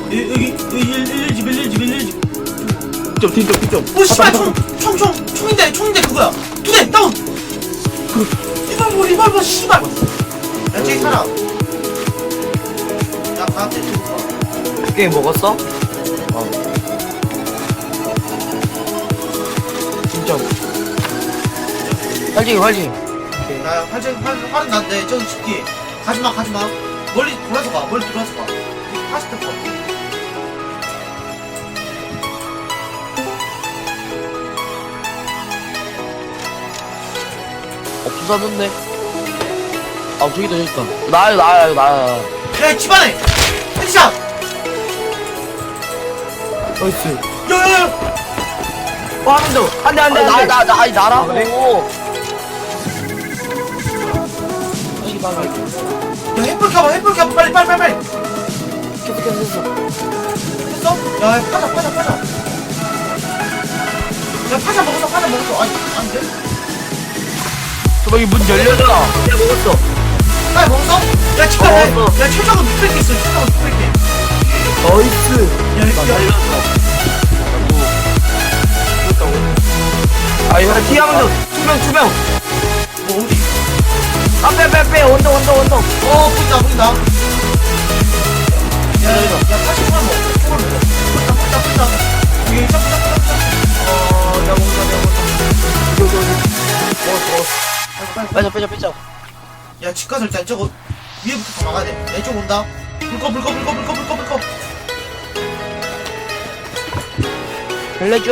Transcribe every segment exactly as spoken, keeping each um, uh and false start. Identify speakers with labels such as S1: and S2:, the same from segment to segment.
S1: 여기 여기 일일집 일일집 일일집.
S2: 좀 뒤쪽 뒤쪽.
S1: 오 씨발 총총총 총인데 총인데 그거야. 두 대 다운. 그 리발버 리발버 씨발. 야 저기 살아. 야 나한테 죽어.
S2: 게임 먹었어? 어. 진짜. 활징이 활징이.
S1: 야 활전 활 활은 난데 저기 집기. 가지마 가지마. 멀리 돌아서 가. 멀리 돌아서 가. 팔십 대 거.
S2: 어 부사졌네. 아 저기다 저기다. 나야 나야 나야.
S1: 야 집안에 헤드샷.
S2: 나이스.
S1: 야야야.
S2: 어 한 대 더. 한대 한대 한대. 나나 아니 나라고. 아니 나가.
S1: 야 햇불 켜봐 햇불 켜봐 빨리 빨리 빨리 빨리.
S2: 계속 계속 했어.
S1: 했어? 야 야, 파자 파자 파자. 야 파자 먹었어 파자 먹었어. 아니 안돼.
S2: 저기 문 열려잖아. 야 먹었어.
S1: 빨리 먹었어? 야 집가
S2: 어,
S1: 야
S2: 먹었어.
S1: 최저가 육백 개 있어 최저가 육백 개.
S2: 나이스.
S1: 야 이거
S2: 살렸어. 아 이거 티하면 투명 투명.
S1: 뭐 어디?
S2: 아빼빼빼 원더 원더 원더.
S1: 어 보인다 보인다. 야야야 팔십 만 먹어. 총알 먹어. 보인다 보인다 보인다. 여기 쫙쫙쫙쫙.
S2: 어 내가 먹는다 내가 먹는다. 여기 여기. 먹었어 먹었어.
S1: 빨리 빨리.
S2: 빼자 빼자 빼자.
S1: 야 집가서 일단 저거 위에부터 다 막아야 돼. 내 쪽 온다. 불꺼 불꺼 불꺼 불꺼 불꺼 불꺼.
S2: 알려줘.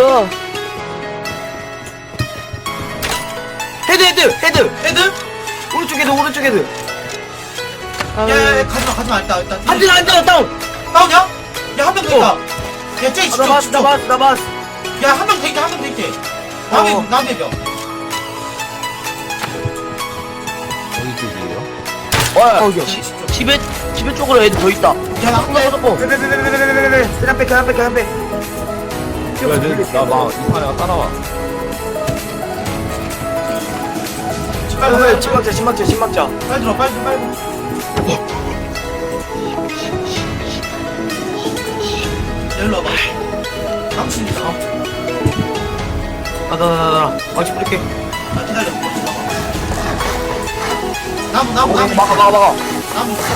S2: 헤드 헤드 헤드.
S1: 헤드?
S2: 오른쪽 헤드 오른쪽 헤드.
S1: 야야야 가지마 가지마 일단 일단.
S2: 한대 한대 다운.
S1: 다운이야? 야 한 명 더 있다. 야 쟤
S2: 나
S1: 집중
S2: 봤어 나
S1: 집중.
S2: 봤어 나 봤어.
S1: 야 한 명 더 있다 한 명 더 있대. 남의
S2: 어.
S1: 남의 병.
S3: 어디 쪽이에요?
S2: 어 여기 집에 집에 쪽으로 애들 더 있다.
S1: 야 나.
S2: 나 고 빼빼빼빼빼빼빼빼. 그냥 빼 그냥 빼 그냥 빼.
S3: 왜, 나막 이판에가 따라와.
S1: 빨리
S2: 왜
S1: 빨리
S2: 침막자 침막자 침막자.
S1: 빨리 들어 빨리 들어 빨리 들어. 일로 와봐. 당신이다.
S2: 나나나나 망치 뿌릴게.
S1: 아 기다려. 나무 나무
S2: 어,
S1: 나무.
S2: 막아 막아 막아
S1: 나무 있어.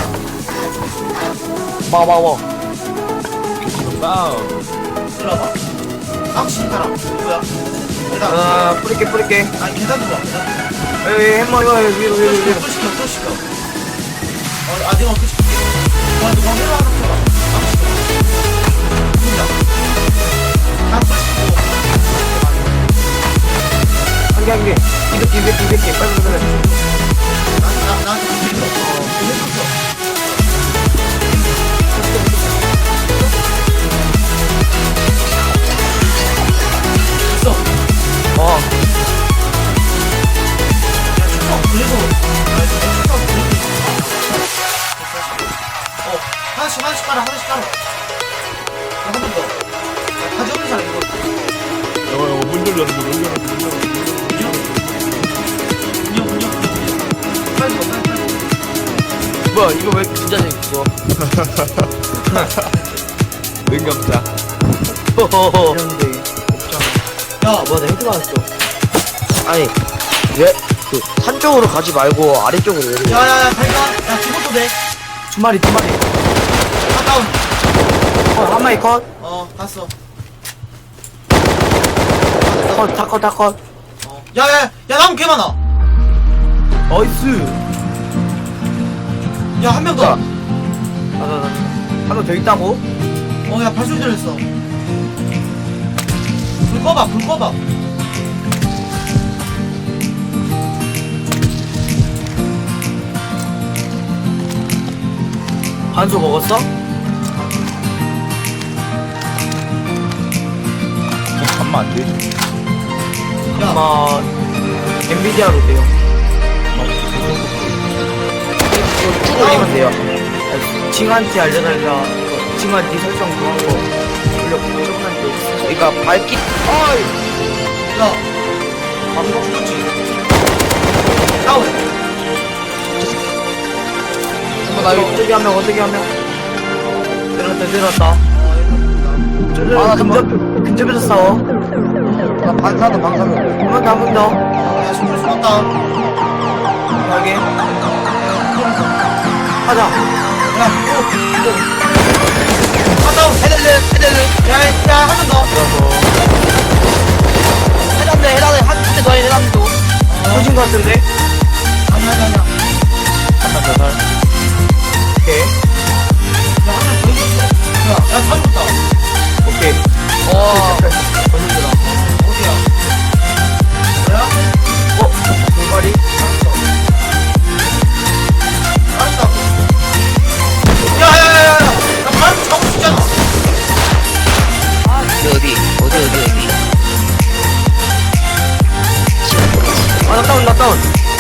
S2: 막아 막아 막아.
S3: 다운.
S1: 일로 와봐. 당신 타라. 누구야? 계단.
S2: 아 뿌릴게 뿌릴게.
S1: 아니 계단 들어와 계단.
S2: 에이 햄머 이거 위로 위로
S1: 또
S2: 위로.
S1: 시켜 또 시켜 또 시켜. 어, 아 내가 어떻게 시킬게. 와 누가 회로 하나 켜라. 당신. 누구야? 나또 시키고.
S2: 한개 한개. 이백 개 이백 개 이백 개 빨리 빨리 빨리.
S1: 나한테 나 나한테 시켜. 어 회로 켜. 있어.
S2: 어.
S1: 야, 축구 그래도, 아, 축구 그래도 있어. 어, 하나씩, 하나씩 깔아, 하나씩 깔아. 야, 한 번 더. 야, 가져오는 사람 이거.
S3: 이거, 이거 문 열려, 문 열려, 문 열려, 문 열려.
S1: 문요? 문요, 문요, 문요, 문요. 빨리 줘, 빨리, 빨리.
S2: 뭐야 이거 왜 진짜 재밌어?
S3: 능감자.
S2: 허허허. 이런데 없잖아.
S1: 야,
S2: 뭐야 나 헤드 맞았어. 아니 왜 그 산 쪽으로 가지 말고 아래쪽으로 왜 그래?
S1: 야, 야, 야, 발견. 야, 기본도 돼.
S2: 두 마리 두 마리.
S1: 아, 다운.
S2: 어한 마리 컷.
S1: 어, 갔어.
S2: 컷 다 컷 다 컷.
S1: 어. 야, 야, 야, 나무 개 많아.
S2: 나이스.
S1: 야, 한 명 더.
S2: 자. 나나나 한 명 더 있다고?
S1: 어, 야, 발소리 들렸어. 불 꺼봐, 불 꺼봐.
S2: 반소 먹었어?
S3: 잠만 안 되지.
S1: 야,
S2: 아마 엔비디아로 돼요. 이거 쭉 올리면 돼요. 징한테 알려달라. 징한테 설정 그런 거 올려 조금한테. 그러니까 밝기. 어이.
S1: 야. 방금 죽었지? 다운.
S2: 나 이거 어떻게 하면 어떻게 하면 내려왔다 내려왔다. 저들
S4: 아, 나
S2: 근접, 근접에서 싸워.
S4: 나 반사다 반사다.
S2: 한 번 더, 한 번 더.
S1: 야 손을 쏘았다.
S2: 하게. 하자.
S1: 야 또. 하다운 헤들르 헤들르. 야야 한 번 더.
S4: 해당돼 해당돼 한대 더 해, 해당돼 또.
S2: 터진 것 같은데?
S1: 아니 아니 아니야.
S3: 한번 더 살.
S2: 오케이.
S1: 야한번더 있었어. 야야 잡았다.
S2: 오케이.
S4: 와.
S2: 걸린다.
S1: 어디야? 뭐야?
S2: 어? 돌발이?
S1: 알았다고. 야야야야야. 나 바로 잡고 싶잖아.
S4: 어디 어디 어디 어디 어디.
S2: 아, 나 다운, 나 다운.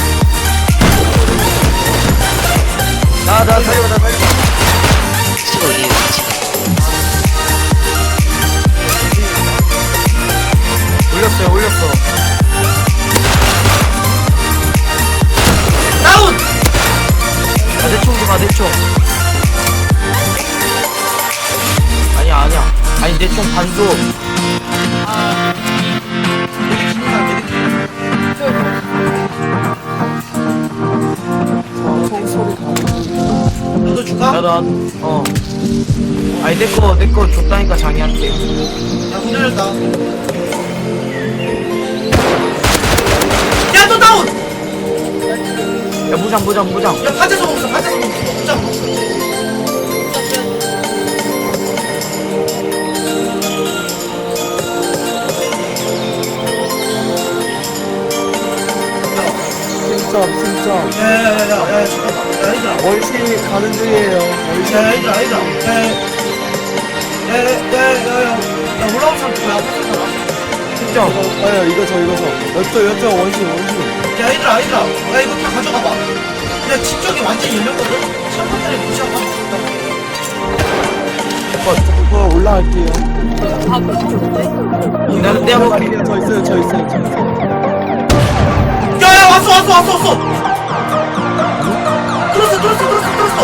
S2: 나, 나 살려, 나 살려.
S4: 지금 어디 지금.
S2: 올렸어요, 올렸어.
S1: 다운.
S2: 아, 내 총 좀, 아, 내 총. 아니야, 아니야. 아니, 내 총 반도.
S1: 여기 기능 안 되는 너도 줄까?
S2: 야, 나, 어. 아니, 내 거, 내 거 줬다니까, 장이한테.
S1: 야, 문 열렸다. 야, 또 다운!
S2: 야, 무장, 무장, 무장.
S1: 야, 파재소 먹었어, 파재소 먹었어. 진짜 먹었어.
S5: 진짜 진짜
S1: 야, 야, 야, 야, 야, 잠깐만. 야, 얘들아.
S5: 월시 가는 중이에요. 월시
S1: 야, 얘들아, 얘들아. 야, 야, 야, 야, 야, 야, 야, 올라온 사람 누구야? 앞에 사람.
S2: 진짜.
S5: 아요 이거 저 이거 저 여쭤 여쭤 원시 원시
S1: 야, 얘들아, 얘들아. 야, 이거 다 가져가봐. 야, 집 쪽이 완전히 열렸거든? 샴푸들이 무시하고 하면
S5: 그거 올라갈게요.
S2: 나는 내가 먹을게.
S5: 저 있어요 저 있어요 저 있어요.
S1: 야, 야, 왔어, 왔어, 왔어, 왔어! 들었어, 들었어, 들었어, 들었어!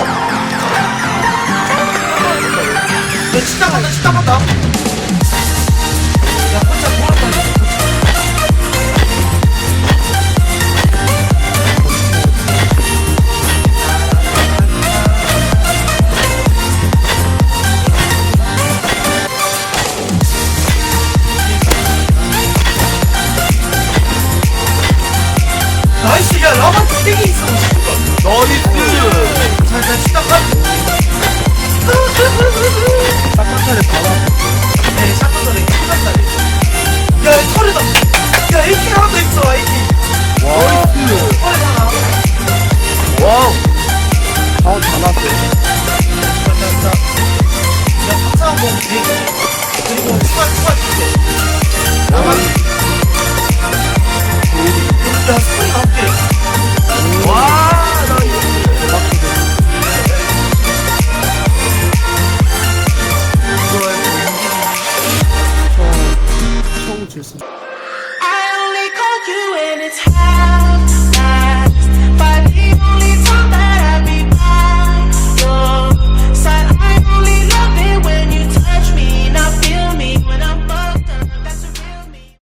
S1: 야, 식당 간다, 식당 간다! 야, 혼자 돌았다. 나이스, 야, 라마 두 개기 있어,
S3: 나이스!
S1: 자, 자, 식당 가!
S5: 딱딱하네.